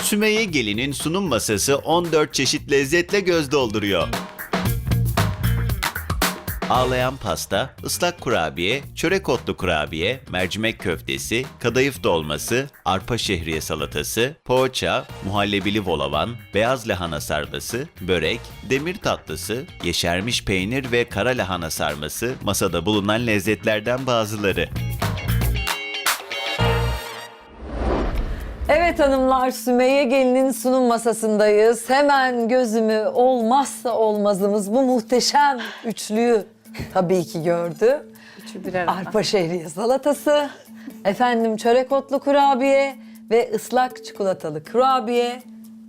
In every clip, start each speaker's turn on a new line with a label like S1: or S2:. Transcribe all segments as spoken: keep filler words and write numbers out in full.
S1: Sümeyye Gelin'in sunum masası on dört çeşit lezzetle göz dolduruyor. Ağlayan pasta, ıslak kurabiye, çörek otlu kurabiye, mercimek köftesi, kadayıf dolması, arpa şehriye salatası, poğaça, muhallebili volavan, beyaz lahana sarması, börek, demir tatlısı, yeşermiş peynir ve kara lahana sarması masada bulunan lezzetlerden bazıları.
S2: Evet hanımlar, Sümeyye Gelin'in sunum masasındayız. Hemen gözümü olmazsa olmazımız bu muhteşem üçlüyü tabii ki gördü.
S3: Üçü bir arada.
S2: Arpa şehriye salatası, efendim çörek otlu kurabiye ve ıslak çikolatalı kurabiye.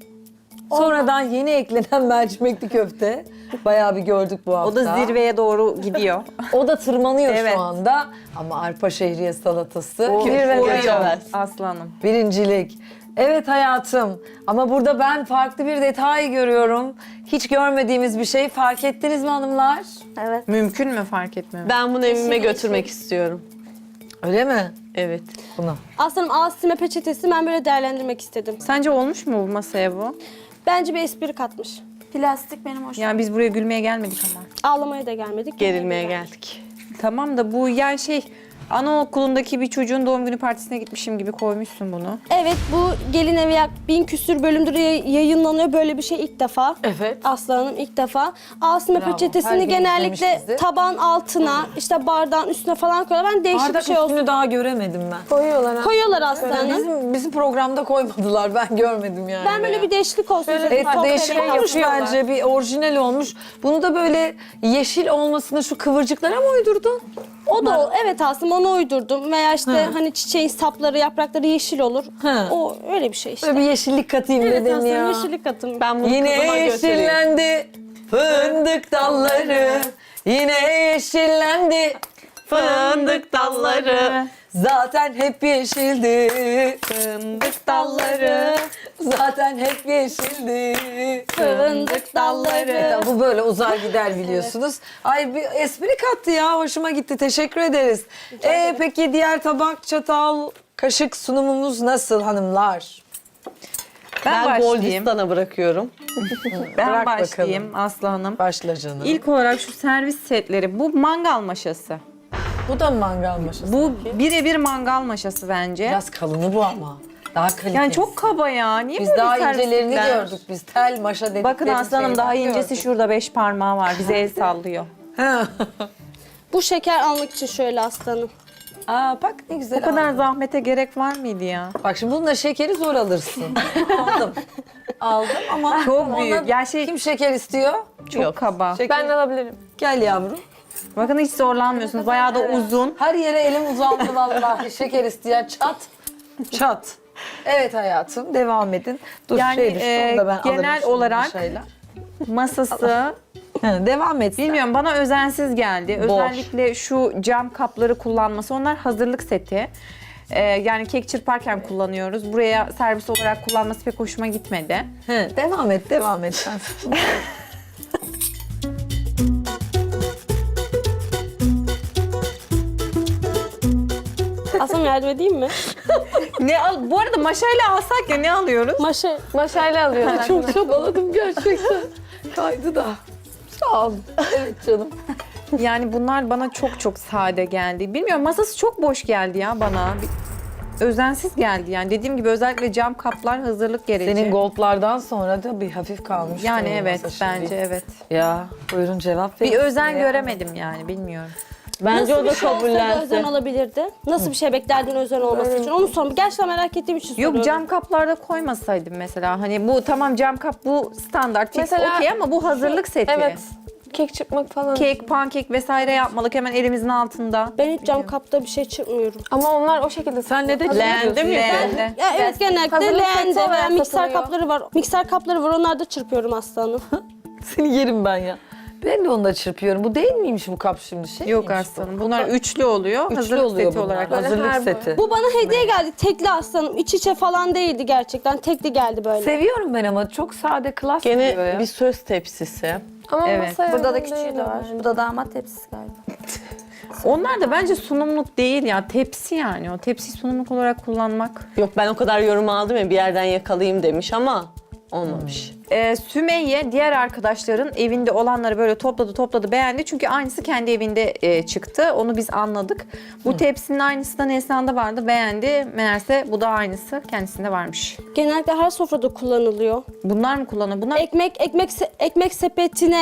S2: Sonradan yeni eklenen mercimekli köfte. Bayağı bir gördük bu hafta.
S3: O da zirveye doğru gidiyor.
S2: O da tırmanıyor
S3: Evet.
S2: şu anda. Ama arpa şehriye salatası.
S3: O
S2: zirvede
S3: koruyor
S2: geçemez.
S3: aslanım.
S2: Birincilik. Evet hayatım. Ama burada ben farklı bir detay görüyorum. Hiç görmediğimiz bir şey. Fark ettiniz mi hanımlar?
S4: Evet.
S3: Mümkün mü fark etmem?
S5: Ben bunu evime götürmek istiyorum.
S2: Öyle mi?
S5: Evet.
S2: Bunu.
S4: Aslanım ağız silme peçetesi ben böyle değerlendirmek istedim.
S3: Sence olmuş mu bu masaya bu?
S4: Bence bir espri katmış.
S6: Plastik benim hoşuma.
S3: Yani biz buraya gülmeye gelmedik ama.
S4: Ağlamaya da gelmedik.
S5: Gerilmeye geldik.
S3: Tamam da bu yani şey anaokulundaki bir çocuğun doğum günü partisine gitmişim gibi koymuşsun bunu.
S4: Evet, bu Gelin Evi yak bin küsür bölümdür yay- yayınlanıyor. Böyle bir şey ilk defa.
S2: Evet.
S4: Aslanım ilk defa. Ağız silme
S2: Bravo. Her
S4: peçetesini
S2: gün
S4: genellikle
S2: izlemişizdir.
S4: taban altına, işte bardağın üstüne falan koyuyorlar. Ben değişik
S2: Bardak
S4: bir şey olsun.
S2: üstünü daha göremedim ben.
S6: Koyuyorlar ha.
S4: Koyuyorlar aslanım.
S2: Bizim, bizim programda koymadılar. Ben görmedim yani.
S4: Ben böyle bir değişiklik olsun istedim.
S2: Evet,
S4: Sohbet
S2: değişik
S4: edelim.
S2: olmuş bence. Bir orijinal olmuş. Bunu da böyle yeşil olmasını şu kıvırcıklara mı uydurdun?
S4: O da o. Evet aslında onu uydurdum. Veya işte hani çiçeğin sapları, yaprakları yeşil olur.
S2: Ha.
S4: O öyle bir şey işte.
S2: Böyle bir yeşillik katayım
S4: Evet
S2: dedin
S4: aslında
S2: ya.
S4: yeşillik katım.
S5: Ben bunu
S2: Yine
S5: kızıma götüreyim.
S2: yeşillendi fındık dalları. Yine yeşillendi
S5: Fındık dalları,
S2: zaten hep yeşildi.
S3: Fındık dalları.
S2: Zaten hep yeşildi.
S4: Fındık dalları.
S2: Bu böyle uzar gider biliyorsunuz. Ay bir espri kattı ya. Hoşuma gitti. Teşekkür ederiz. Ee, peki diğer tabak, çatal, kaşık sunumumuz nasıl hanımlar?
S3: Ben,
S5: Ben
S3: başlayayım.
S5: Goldistan'a bırakıyorum.
S3: Ben
S2: Bırak
S3: başlayayım Aslı Hanım.
S2: Başla canım.
S3: İlk olarak şu servis setleri. Bu mangal maşası.
S2: Bu da mı mangal maşası?
S3: Bu birebir mangal maşası bence.
S2: Biraz kalını bu ama. Daha kaliteli.
S3: Yani çok kaba ya. Niye
S2: Biz
S3: böyle
S2: daha
S3: servis
S2: incelerini
S3: setler?
S2: gördük. Biz tel maşa dedikleri
S3: Bakın aslanım daha
S2: şeyden
S3: incesi
S2: gördük.
S3: şurada beş parmağı var. Bize el sallıyor.
S2: Ha.
S4: Bu şeker almak için şöyle aslanım.
S2: Aa bak ne güzel.
S3: Bu kadar
S2: aldın.
S3: zahmete gerek var mıydı ya?
S2: Bak şimdi bununla şekeri zor alırsın. Aldım. Aldım ama
S3: Çok
S2: ona-
S3: büyük. Ya şey
S2: Kim şeker istiyor?
S3: çok kaba.
S2: Şeker.
S6: Ben de alabilirim.
S2: Gel yavrum.
S3: Bakın hiç zorlanmıyorsunuz. Bayağı da uzun.
S2: Her yere elim uzandı vallahi. Şeker isteyen çat. Çat. Evet hayatım devam edin. Dur
S3: Yani,
S2: şey düştü
S3: e,
S2: onu da ben
S3: genel
S2: alırım şimdi
S3: olarak-
S2: bir şeyler.
S3: Masası
S2: Ha, devam et. sen.
S3: bilmiyorum bana özensiz geldi.
S2: Boş.
S3: Özellikle şu cam kapları kullanması. Onlar hazırlık seti. Ee, yani kek çırparken kullanıyoruz. Buraya servis olarak kullanması pek hoşuma gitmedi.
S2: He, devam et, devam et sen.
S4: Aslanım yardım edeyim mi?
S3: Ne al? Bu arada maşayla alsak ya ne alıyoruz?
S4: Maşa.
S6: Maşayla alıyorlar.
S2: Çok çabaladım gerçekten. Kaydı da. Sağ ol. Evet canım.
S3: Yani bunlar bana çok çok sade geldi. Bilmiyorum masası çok boş geldi ya bana. Bir- özensiz geldi yani. Dediğim gibi özellikle cam kaplar hazırlık gereği.
S2: Senin goldlardan sonra da bir hafif kalmış.
S3: Yani
S2: senin
S3: evet
S2: masa şimdi.
S3: bence evet.
S2: Ya buyurun cevap verin.
S3: Bir özen
S2: Ya.
S3: göremedim yani bilmiyorum.
S5: Bence
S4: Nasıl
S5: o da
S4: bir şey olsaydı özen
S5: kabullensin.
S4: olabilirdi? Nasıl bir şey beklerdin özen olması için? Onu sor. Gerçekten merak ettiğim için soruyorum.
S3: Yok cam kaplarda koymasaydım mesela. Hani bu tamam cam kap bu standart fix
S6: Mesela-
S3: okey ama bu hazırlık seti.
S6: Evet. Kek çırpmak falan.
S3: Kek, pankek vesaire yapmalık hemen elimizin altında.
S4: Ben hiç cam kapta bir şey çırpmıyorum.
S6: Ama onlar o şekilde.
S2: Sen ne dedin?
S5: Leğende mi?
S3: Leğende.
S4: Ya evet genellikle
S6: hazırlık seti
S4: leğende
S6: olarak
S4: veya mikser
S6: satılıyor.
S4: kapları var. Mikser kapları var onlarda çırpıyorum aslanım.
S2: Seni yerim ben ya. Ben de onu da çırpıyorum. Bu değil miymiş bu kap şimdi şey?
S3: Yok
S2: miymiş bu?
S3: aslanım. Bunlar üçlü oluyor.
S2: Üçlü
S3: hazırlık
S2: oluyor
S3: seti
S2: bunlar.
S3: olarak.
S6: Böyle
S2: Hazırlık
S6: her
S2: seti.
S4: Bu bana hediye geldi. Tekli aslanım. İç içe falan değildi gerçekten. Tekli geldi böyle.
S2: Seviyorum ben ama çok sade klas duruyor
S5: Gene
S2: ya.
S5: bir söz tepsisi.
S6: Ama
S3: Evet.
S6: masaya
S4: Burada da
S6: uygun
S4: küçüğü
S6: değil
S4: de var.
S6: yani.
S4: Bu da damat tepsisi galiba.
S3: Onlar da bence sunumluk değil ya. Tepsi yani. O tepsi sunumluk olarak kullanmak.
S5: Yok ben o kadar yorum aldım ya bir yerden yakalayayım demiş ama olmamış.
S3: Ee, Sümeyye diğer arkadaşların evinde olanları böyle topladı topladı beğendi. Çünkü aynısı kendi evinde e, çıktı. Onu biz anladık. Bu tepsinin aynısı da Neslihan'da vardı. Beğendi. Meğerse bu da aynısı kendisinde varmış.
S4: Genellikle her sofrada kullanılıyor.
S3: Bunlar mı kullanıyor? Bunlar
S4: Ekmek ekmek se- ekmek sepetine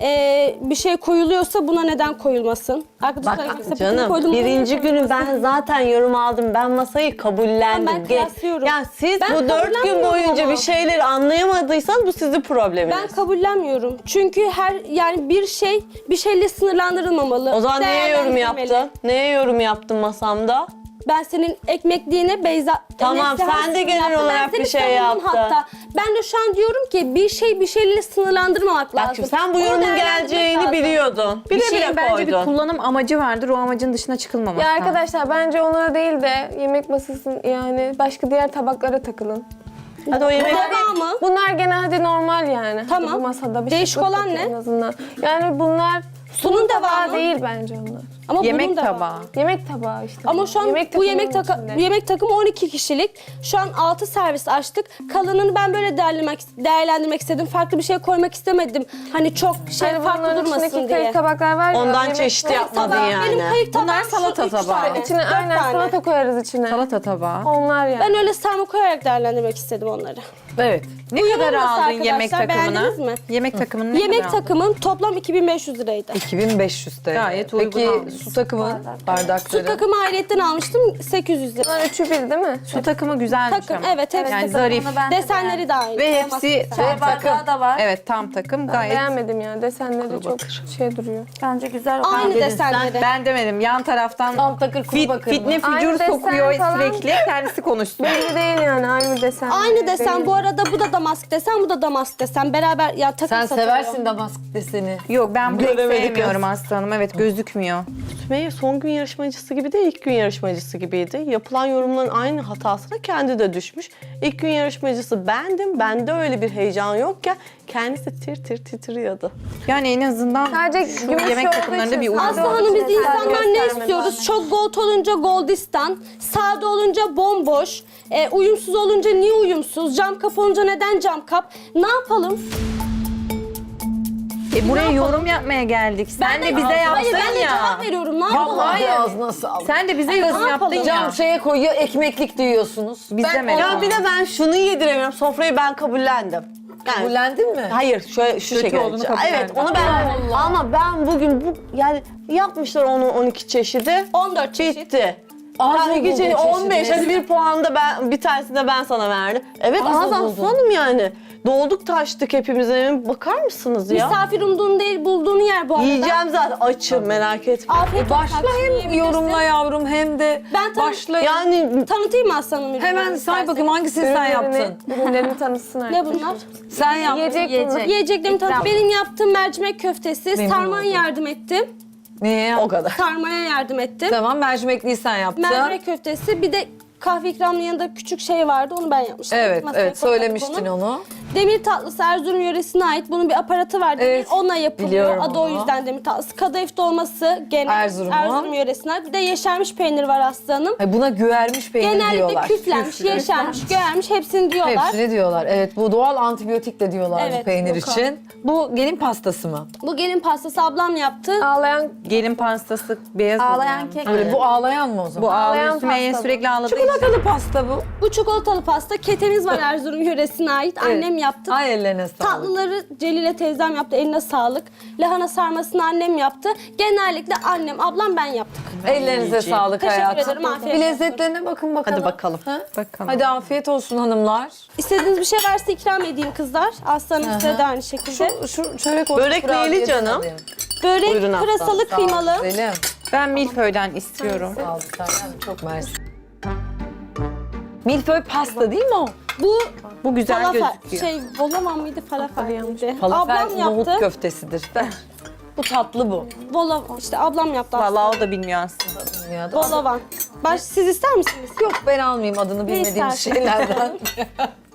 S4: e, bir şey koyuluyorsa buna neden koyulmasın? Arkadaşlar ekmek sepetine
S5: Canım
S4: koydum.
S5: birinci günü ben zaten yorum aldım. Ben masayı kabullendim.
S4: Ben kıyaslıyorum.
S5: Ya siz
S4: Ben
S5: bu dört gün
S4: kabullenmiyorum
S5: boyunca
S4: ama.
S5: bir şeyleri anlayamadıysanız bu sizin probleminiz.
S4: Ben kabullenmiyorum. Çünkü her yani bir şey bir şeyle sınırlandırılmamalı.
S5: O zaman neye yorum
S4: Değerlendirilmeli.
S5: yaptın? Neye yorum yaptın masamda?
S4: Ben senin ekmekliğine Beyza...
S5: Tamam,
S4: Neslihan
S5: sen de
S4: sunum
S5: genel
S4: yaptı.
S5: olarak
S4: Ben seni
S5: bir şey
S4: savundum
S5: yaptın.
S4: Hatta. Ben de şu an diyorum ki bir şey bir şeyle sınırlandırmamak lazım.
S5: Bak şimdi sen bu
S4: Onu
S5: yorumun
S4: değerlendirmek
S5: geleceğini
S4: lazım.
S5: biliyordun.
S3: bir
S5: Bile
S3: şeyin
S5: bile
S3: bence bir
S5: koydun.
S3: kullanım amacı vardır. O amacın dışına çıkılmamak
S6: Ya
S3: lazım.
S6: arkadaşlar bence onlara değil de yemek masasının yani başka diğer tabaklara takılın.
S5: Hadi o yemek...
S4: Tamam mı?
S6: Bunlar gene hadi normal yani. Hadi
S4: Tamam.
S6: bu masada bir
S4: Değişik
S6: şey yok
S4: olan
S6: ki
S4: ne?
S6: En azından. Yani bunlar
S4: Sunum
S6: sunum tabağı
S4: devamı.
S6: değil bence onlar.
S4: Ama bunun
S3: Yemek
S4: da var.
S3: tabağı.
S6: Yemek tabağı işte.
S4: Ama şu an
S6: yemek
S4: bu yemek,
S6: takımının
S4: taka-
S6: içinde.
S4: yemek takımı on iki kişilik. Şu an altı servis açtık. Kalanını ben böyle değerlendirmek, değerlendirmek istedim. Farklı bir şey koymak istemedim. Hani çok şey
S6: Hani
S4: farklı
S6: bunların
S4: durmasın
S6: içindeki
S4: diye.
S6: kayık tabaklar var ya.
S5: Ondan
S6: yemek-
S5: çeşitli
S6: Kayık
S5: yapmadın
S6: tabağı.
S5: yani.
S4: Benim kayık tabağım
S3: Bunlar
S4: şu
S3: salata
S4: üç
S3: tabağı.
S4: tane,
S6: İçine
S4: dört
S6: aynen
S4: tane.
S6: salata koyarız içine.
S3: Salata tabağı.
S6: Onlar yani.
S4: Ben öyle sarma koyarak değerlendirmek istedim onları.
S2: Evet.
S3: Ne
S4: Bu
S3: kadar
S4: yorulması
S3: aldın yemek
S4: arkadaşlar,
S3: takımına?
S4: beğendiniz mi?
S3: Yemek takımını ne
S4: Yemek
S3: kadar aldın?
S4: takımım toplam iki bin beş yüz liraydı.
S2: iki bin beş yüz T L.
S3: Gayet uygun
S2: Peki
S3: almışsın.
S2: su takımı, bardakları?
S4: Su takımı ayrıyetten almıştım sekiz yüz lira.
S6: Bunlar üçü bir değil mi?
S3: Su takımı güzelmiş
S4: Takım
S3: ama.
S4: evet hepsi
S3: Yani
S4: takım.
S3: zarif.
S4: Desenleri de aynı.
S3: Ve
S4: Olmaz
S3: hepsi
S4: desen.
S3: tam takım.
S2: da var.
S3: Evet tam takım
S6: Ben
S3: gayet.
S6: beğenmedim yani. Desenleri çok şey duruyor.
S7: Bence güzel.
S4: Aynı desenleri.
S3: Ben demedim yan taraftan
S2: Tam takır kuru
S3: fit,
S2: bakır
S3: fitne
S2: mı?
S3: fücur
S6: Aynı desen
S3: sokuyor
S6: falan.
S3: sürekli kendisi konuşsun.
S6: Belli değil yani aynı desen.
S4: Aynı desen
S6: Değil.
S4: bu arada bu da damask desen bu da damask desen beraber ya takım
S2: Sen
S4: satılıyor.
S2: seversin damask deseni.
S3: Yok ben bunu
S5: Göremedik
S3: sevmiyorum aslanım. Evet gözükmüyor.
S5: Sümeyye son gün yarışmacısı gibi de ilk gün yarışmacısı gibiydi. Yapılan yorumların aynı hatasına kendi de düşmüş. İlk gün yarışmacısı bendim. Bende öyle bir heyecan yokken kendisi tir tir titriyordu.
S3: Yani en azından
S6: Sadece
S3: şu
S6: gümüş
S3: yemek
S6: olduğu
S3: takımlarında
S6: için
S3: bir uyum
S6: sadece
S4: Aslı
S3: var.
S4: Hanım biz
S6: Sadece
S4: insanlar ne
S6: gösterme
S4: istiyoruz?
S6: bazen.
S4: Çok gold olunca goldistan, sade olunca bomboş, e, uyumsuz olunca niye uyumsuz, cam kap olunca neden cam kap? Ne yapalım?
S3: E, buraya yorum yapmaya geldik. Sen de bize
S4: Hayır ben
S3: yaptın
S4: de
S3: ya.
S4: cevap veriyorum. Ne yapalım?
S2: Vallahi ağzına sağlık.
S3: Sen de bize yorum
S4: ne
S3: yaptın
S4: yapalım?
S3: ya.
S2: Cam şeye koyuyor, ekmeklik diyorsunuz.
S3: Biz demedik.
S5: Ya bir de ben şunu yediremiyorum. Sofrayı ben kabullendim. Yani,
S2: Kabulendin mi?
S5: hayır şöyle şu
S3: Kötü
S5: şekilde.
S3: olduğunu kabullendim.
S5: Evet onu ben ama ben bugün bu yani yapmışlar onu on iki çeşidi.
S4: on dört çeşit.
S5: Bitti.
S2: Az
S5: Yani
S2: mı
S5: iki çeşit,
S2: buldun
S5: on beş
S2: çeşidi?
S5: hadi bir puan da ben bir tanesini de ben sana verdim. Evet
S2: Az
S5: az
S2: mı
S5: az
S2: buldun?
S5: sunum yani. Dolduk taştık hepimiz. Bakar mısınız ya?
S4: Misafir umduğun değil bulduğun yer bu arada.
S5: Yiyeceğim zaten açım merak etme.
S4: Afiyet olsun.
S2: Başla hem
S4: Yiyebilirsin.
S2: yorumla yavrum hem de
S4: Ben tam-
S2: başla.
S5: Yani
S4: Tanıtayım mı aslanım ürünleri?
S2: Hemen say
S4: isterseniz?
S2: bakayım hangisini sen
S6: Ürünlerini-
S2: yaptın?
S6: Ürünlerini tanıtsın
S4: Ne
S6: arkadaşlar.
S4: bunlar?
S2: Sen yaptın.
S6: Yiyecek bunlar.
S4: Yiyeceklerimi tanıt. Benim yaptığım mercimek köftesi.
S2: Memnun
S4: Sarmaya
S2: oldum.
S4: yardım ettim.
S2: Niye yaptın?
S5: o kadar.
S4: Sarmaya yardım ettim.
S2: Tamam mercimekliyi sen yaptın.
S4: Mercimek köftesi bir de kahve ikramının yanında küçük şey vardı onu ben yapmıştım.
S2: Evet
S4: Masaya
S2: evet
S4: koyduk
S2: söylemiştin onu.
S4: Demir tatlısı Erzurum yöresine ait. Bunun bir aparatı var. Demir.
S2: Evet,
S4: Onunla yapılıyor.
S2: biliyorum
S4: Adı o
S2: onu.
S4: yüzden demir tatlısı. Kadayıf dolması gene
S2: Erzurum'un.
S4: Erzurum yöresine ait. Bir de yeşermiş peynir var aslanım.
S2: Ay, buna güvermiş peynir
S4: Genellikle
S2: diyorlar.
S4: küflenmiş, yeşermiş, göğermiş hepsini diyorlar.
S2: Hepsini diyorlar. Evet bu doğal antibiyotik de diyorlar bu
S4: Evet,
S2: peynir
S4: yok o.
S2: için. Bu gelin pastası mı?
S4: Bu gelin pastası ablam yaptı.
S6: Ağlayan
S3: Gelin pastası beyaz
S7: Ağlayan
S3: oluyor.
S7: kek.
S2: Böyle bu ağlayan mı o zaman?
S3: Bu ağlıyor.
S6: Ağlayan
S3: Sümeyye
S6: pasta bu.
S3: sürekli ağladığı için.
S2: Çikolatalı pasta bu.
S4: Bu çikolatalı pasta. Ketemiz var Erzurum yöresine ait.
S2: Evet.
S4: Annem yaptı.
S2: Ay ellerine sağlık.
S4: Tatlıları Celile teyzem yaptı. Eline sağlık. Lahana sarmasını annem yaptı. Genellikle annem, ablam ben yaptık.
S2: Ellerinize sağlık
S4: Teşekkür
S2: hayatım.
S4: ederim, afiyet
S2: Bir
S4: olsun.
S2: lezzetlerine bakın bakalım.
S5: Hadi bakalım.
S2: Ha?
S3: Bakalım.
S2: Hadi afiyet olsun hanımlar.
S4: İstediğiniz bir şey varsa ikram edeyim kızlar. Aslanım size de aynı şekilde.
S2: Şu, şu çörek otu
S5: Börek
S2: kurabiye
S5: neyli
S2: de
S5: canım?
S2: alayım.
S4: Börek
S5: Buyurun aslanım,
S4: pırasalı
S2: Sağ ol
S4: kıymalı.
S2: güzelim.
S3: Ben milföyden istiyorum.
S2: Sağ ol Serkan, çok mersi. Milföy pasta değil mi o?
S4: Bu
S3: Bu güzel
S4: falafel,
S3: gözüküyor.
S4: şey volaman mıydı falafel miydi?
S2: Falafel
S4: Ablam
S2: nohut
S4: yaptı.
S2: köftesidir. Ver. Bu tatlı bu.
S4: Vola, işte ablam yaptı aslında.
S3: Vallahi o da bilmiyor aslında.
S2: Dünyada.
S4: Volavan. Baş, siz ister misiniz?
S2: Yok ben almayayım adını bilmediğim
S4: istersin?
S2: şeylerden.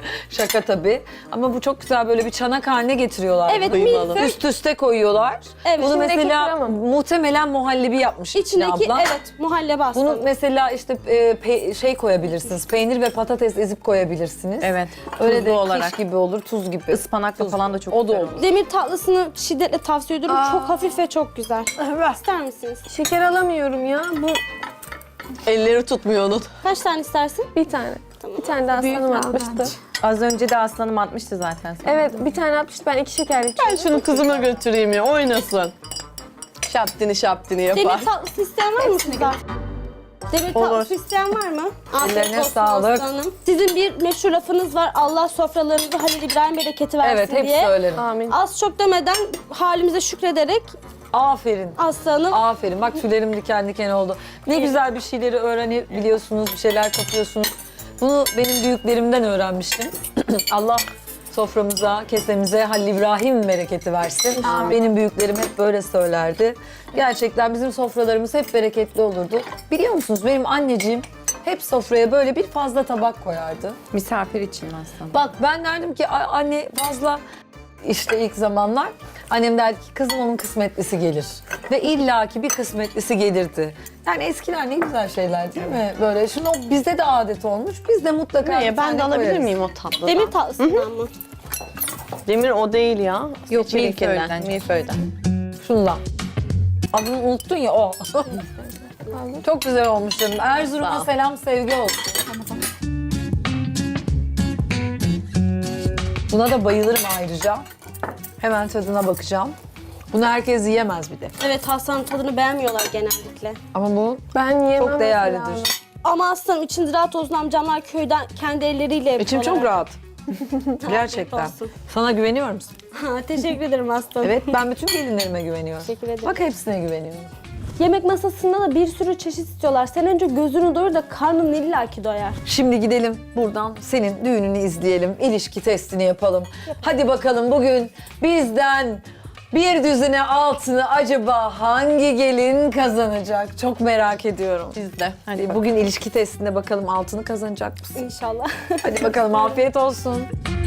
S2: Şaka tabii. Ama bu çok güzel böyle bir çanak haline getiriyorlar.
S4: Evet,
S2: bunu.
S4: milföy.
S2: Üst üste koyuyorlar.
S4: Evet.
S2: Bunu
S4: İçindeki
S2: mesela
S6: krema mı?
S2: muhtemelen muhallebi yapmış içine
S4: İçindeki
S2: abla.
S4: evet muhallebi
S2: Bunu
S4: aslanım.
S2: mesela işte e, pe- şey koyabilirsiniz. Peynir ve patates ezip koyabilirsiniz.
S3: Evet,
S2: Öyle
S3: tuzlu
S2: de
S3: olarak.
S2: kiş gibi olur, tuz gibi.
S3: Ispanakla falan da çok
S2: O da
S3: güzel
S2: olur.
S4: Demir tatlısını şiddetle tavsiye ediyorum. Çok hafif ve çok güzel.
S2: Evet.
S4: İster misiniz?
S6: Şeker alamıyorum ya. Bu
S5: Elleri tutmuyor onun.
S4: Kaç tane istersin?
S6: bir tane. Bir tane daha
S4: Büyük
S6: aslanım
S4: al
S6: atmıştı.
S3: Az önce de aslanım atmıştı zaten sana.
S6: Evet bir tane atmıştı. Ben iki şeker
S5: Ben
S6: içiyorum.
S5: şunu kızıma götüreyim ya oynasın. Şaptini şaptini yapar.
S4: Demir tatlısı isteyen var mı sizden? Demir
S5: Olur.
S4: tatlısı isteyen var mı? Afiyet
S2: Ellerine
S4: olsun
S2: sağlık.
S4: aslanım. Sizin bir meşhur lafınız var. Allah sofralarınızı Halil İbrahim bereketi versin
S2: Evet, hep
S4: diye.
S2: söylerim.
S6: Amin.
S4: Az çok demeden halimize şükrederek
S2: Aferin.
S4: aslanım.
S2: Aferin. Bak tüylerim diken diken oldu. Ne güzel bir şeyleri öğrenebiliyorsunuz, bir şeyler kapıyorsunuz. Bunu benim büyüklerimden öğrenmiştim. Allah soframıza, kesemize Halil İbrahim bereketi versin. Benim büyüklerim hep böyle söylerdi. Gerçekten bizim sofralarımız hep bereketli olurdu. Biliyor musunuz benim anneciğim hep sofraya böyle bir fazla tabak koyardı.
S3: Misafir için aslında.
S2: Bak ben derdim ki "Ay, anne fazla işte ilk zamanlar annem derdi ki kızım onun kısmetlisi gelir. Ve illaki bir kısmetlisi gelirdi. Yani eskiler ne güzel şeyler değil mi? Böyle şunu bizde de adet olmuş. Biz de mutlaka
S5: Ne,
S2: bir
S5: ben
S2: tane
S5: de alabilir
S2: koyarız.
S5: miyim o tatlıdan?
S4: Demir tatlısından mı?
S5: Demir o değil ya.
S3: Yok,
S5: Seçilikinden,
S3: milföyden.
S5: milföyden.
S2: Şundan. Adını unuttun ya o. Çok güzel olmuş canım.
S5: Sağ
S2: Erzurum'a
S5: ol.
S2: selam sevgi olsun. Buna da bayılırım ayrıca. Hemen tadına bakacağım. Bunu herkes yiyemez bir de.
S4: Evet Hasan'ın tadını beğenmiyorlar genellikle.
S2: Ama bu
S6: Ben yiyemem.
S2: çok
S6: mesela.
S2: değerlidir.
S4: Ama aslanım içinde rahat olsun amcamlar köyden kendi elleriyle yapıyorlar.
S2: İçim çok rahat. Gerçekten.
S4: Afiyet olsun.
S2: Sana güveniyor musun?
S4: Ha, teşekkür ederim aslanım.
S2: Evet, ben bütün gelinlerime güveniyorum.
S4: Teşekkür ederim.
S2: Bak hepsine güveniyorum.
S4: Yemek masasında da bir sürü çeşit istiyorlar. Sen önce gözünü doyur da karnın illaki doyar.
S2: Şimdi gidelim buradan senin düğününü izleyelim. İlişki testini yapalım. Hadi bakalım bugün bizden bir düzine altını acaba hangi gelin kazanacak? Çok merak ediyorum.
S3: Biz de.
S2: Hadi bugün ilişki testinde bakalım altını kazanacak mısın?
S4: İnşallah.
S2: Hadi bakalım afiyet olsun.